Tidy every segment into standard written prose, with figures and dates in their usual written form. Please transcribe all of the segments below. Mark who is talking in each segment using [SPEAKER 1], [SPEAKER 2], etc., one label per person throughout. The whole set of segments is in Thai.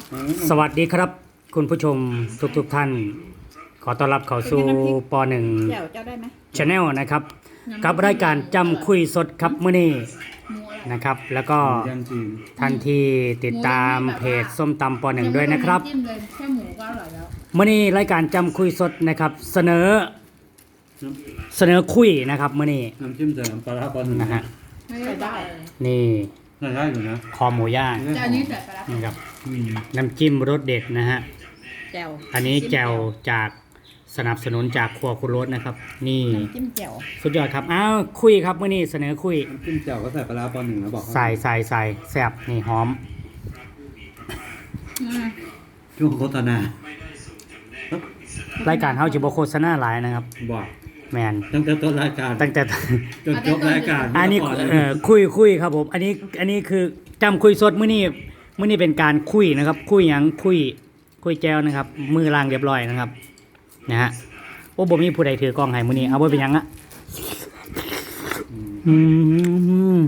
[SPEAKER 1] สวัสดีครับคุณผู้ชมทุกท่าน ขอต้อนรับเข้าสู่ป .1
[SPEAKER 2] เจ้าได้ไหม
[SPEAKER 1] Channel นะครับกับรายการจำคุยสดครับมื้อนี้นะครับ แล้วก็ท่านที่ติดตามเพจส้มตำป .1 ด้วยนะครับ
[SPEAKER 3] แค่หมูก็อร่อยแล้ว
[SPEAKER 1] มื้อนี้รายการจำคุยสดนะครับเสนอคุยนะครับมื้อนี้
[SPEAKER 4] น้ำจิ้มใส่น้ำปลาร้าปอนหนึ่ง
[SPEAKER 1] นะฮะ
[SPEAKER 3] ไม่ได้
[SPEAKER 1] นี่
[SPEAKER 4] ได้อยู่นะ
[SPEAKER 1] คอหมูย่าง
[SPEAKER 3] แต่อันนี้ใส่ไปแล้ว
[SPEAKER 1] นะครับน้ำจิ้มรสเด็ดนะฮะ
[SPEAKER 2] แจ่ว
[SPEAKER 1] อันนี้แจ่วจากสนับสนุนจากครัวคุณรสนะครับ นี่
[SPEAKER 2] น้ำจิ้มแจ่ว
[SPEAKER 1] สุดยอดครับอ้าวคุยครับเมื่อนี้เสนอคุย
[SPEAKER 4] น้ำจิ้มแจ่วก็ใส่ปลาร้าปอนหนึ่งนะบอกเขา
[SPEAKER 1] ใส่แซ่บนี่หอม
[SPEAKER 4] ช่วงโฆษณาร
[SPEAKER 1] ายการเฮาจิบโฆษณาหลายนะครับ
[SPEAKER 4] บอก
[SPEAKER 1] แมน
[SPEAKER 4] ตั้งแต่ต้นรายการ
[SPEAKER 1] ตั้งแต่
[SPEAKER 4] จนจบรายการ
[SPEAKER 1] อันนี้คุยครับผมอันนี้คือจำคุยสดมื้อนี้เป็นการคุยนะครับ คุยหยังคุยแจวนะครับ มือล้างเรียบร้อยนะครับนะฮะโอ้บ่มีผู้ใดถือกล้องให้มื้อนี้เอาไว้เป็นหยังอะอืม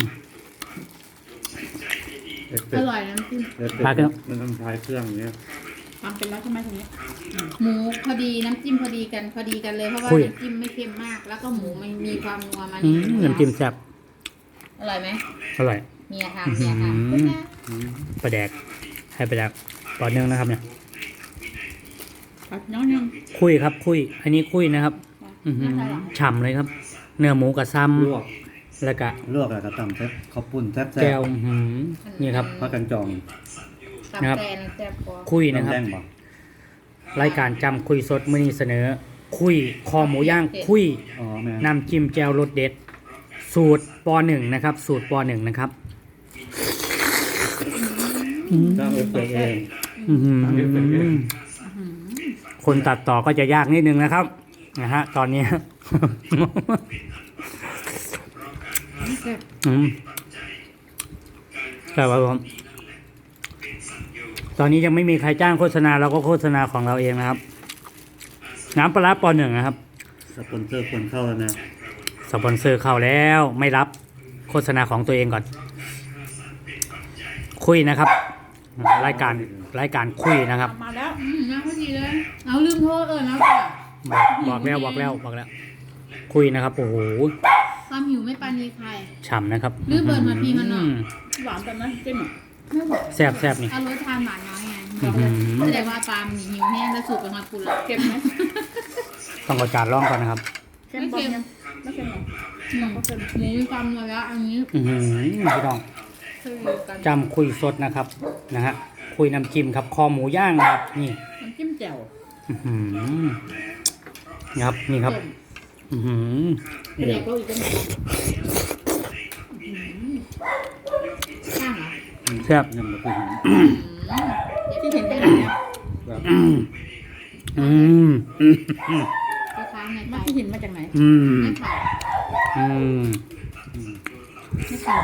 [SPEAKER 3] อร่อยน้ำจิ้ม
[SPEAKER 4] มันต้องใช้เครื่องเนี้ย
[SPEAKER 2] ทำเป็นแล้วใช่ไหมตรงนี้
[SPEAKER 3] หมูพอดีน้ำจิ้มพอดีกันเลยเพราะว่าน้ำจิ้มไม่เค็มมาก แล้วก็หมูมันมีความนัวมา
[SPEAKER 1] น้ำจิ้มแซ่บ
[SPEAKER 3] อร่อยไหม
[SPEAKER 1] อร่อย
[SPEAKER 3] เมียทำเมียทำ
[SPEAKER 1] ปลาแดกให้ปลาแดกต่อเนื่องนะครับเนี่ย
[SPEAKER 2] ผัดน้องนึง
[SPEAKER 1] คุยครับคุย อันนี้คุยนะครับฉ่ำเลยครับ เนื้อหมูกับซ้
[SPEAKER 4] ลวก
[SPEAKER 1] ำแล้วก็
[SPEAKER 4] ลวกแล้วก็ตำแซ่บข้าวปุ้นแซ่บ
[SPEAKER 1] แก้วนี่ครับ
[SPEAKER 4] พักกันจอง
[SPEAKER 3] ตับ
[SPEAKER 1] นะครับ
[SPEAKER 3] แตนแซ่บกว่า
[SPEAKER 1] คุยนะครับ
[SPEAKER 4] แดงบอก
[SPEAKER 1] รายการจำคุยสดมื้อนี้เสนอ คุยคอหมูย่างคุย
[SPEAKER 4] อ๋อแม่
[SPEAKER 1] น้ำจิ้มแจ่วรสเด็ด สูตรป .1 นะครับ สูตรป .1 นะครับ
[SPEAKER 4] ตั้งเอฟเฟกต์เอง
[SPEAKER 1] อื้อหือคนตัดต่อก็จะยากนิดนึงนะครับนะฮะตอนนี้ แต่ว่าผมตอนนี้ยังไม่มีใครจ้างโฆษณาเราก็โฆษณาของเราเองนะครับ น้ำปลาร้าป .1 นะครับ
[SPEAKER 4] สปอนเซอร์คนเข้าแล้วนะ
[SPEAKER 1] สปอนเซอร์เข้าแล้วไม่รับโฆษณาของตัวเองก่อน คุยนะครับ รายการคุยนะครับ
[SPEAKER 2] มาแล้ว
[SPEAKER 3] น้ำพอดีเลยเอาลืมโทษนะค่ะ
[SPEAKER 1] บอกแล้วคุยนะครับโอ้โห
[SPEAKER 3] ความหิวไม่ปานีใคร
[SPEAKER 1] ฉ่ำนะครับ
[SPEAKER 3] หรือเบิร์นมาพี่มันเนาะ
[SPEAKER 2] หวานแต่นะจิ้มอ่ะ
[SPEAKER 3] ไม่บอก
[SPEAKER 1] แซ่บนี่
[SPEAKER 3] เอารสทานหวานน้อยไง
[SPEAKER 1] อื้อหือ
[SPEAKER 3] แสดงว่าปลาหิวแห้งแล้วสูบเป็นมาคุณละ
[SPEAKER 2] เค็มไหม
[SPEAKER 1] ต้องเอาจานร่องก่อนนะครับ
[SPEAKER 2] เค็มบอลยังไม่เค็มหรอ
[SPEAKER 3] หมูมีความนัวแล้วอันนี้
[SPEAKER 1] อื้อหือพี่น้อง
[SPEAKER 3] คือกัน
[SPEAKER 1] จำคุยสดนะครับนะฮะคุยน้ำจิ้มครับคอหมูย่างนะครับนี่
[SPEAKER 2] น้ำจิ้มแจ่ว
[SPEAKER 1] อื้อหือนี่ครับนี่ครับอื้อหือ
[SPEAKER 2] เด็กเราอีกกัน
[SPEAKER 3] ข้างเหรอ
[SPEAKER 1] แซ่บ
[SPEAKER 4] ยำมะเขือ
[SPEAKER 2] ที่เห็นได้เนี่ย
[SPEAKER 4] แบบ
[SPEAKER 1] อืมอืม
[SPEAKER 3] ก็ค้างใน
[SPEAKER 2] มั
[SPEAKER 3] ไต
[SPEAKER 2] นที่เห็นมาจากไหน
[SPEAKER 1] อืม
[SPEAKER 3] ไม่ขาด
[SPEAKER 1] อืม
[SPEAKER 3] ไม่ขาด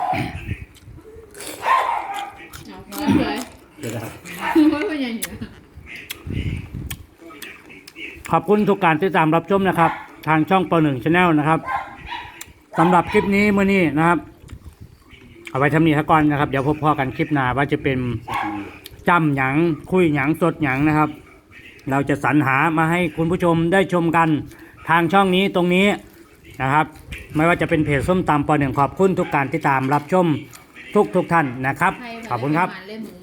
[SPEAKER 3] เอาพอเลย
[SPEAKER 4] จะได้
[SPEAKER 3] ว่าเป็นยังไง
[SPEAKER 1] ขอบคุณทุกการติดตามรับชมนะครับ ทางช่องป .1 Channel นะครับสำหรับคลิปนี้มื้อนี้นะครับ เอาไว้ทำนี้ซะก่อนนะครับ เดี๋ยวพบพ่อกันคลิปหน้าว่าจะเป็นจำหยังคุยหยังสดหยังนะครับ เราจะสรรหามาให้คุณผู้ชมได้ชมกันทางช่องนี้ตรงนี้นะครับ ไม่ว่าจะเป็นเพจส้มตำป .1 ขอบคุณทุกการติดตามรับชมทุกท่านนะครับ ขอบคุณครับ
[SPEAKER 3] เล่นหมู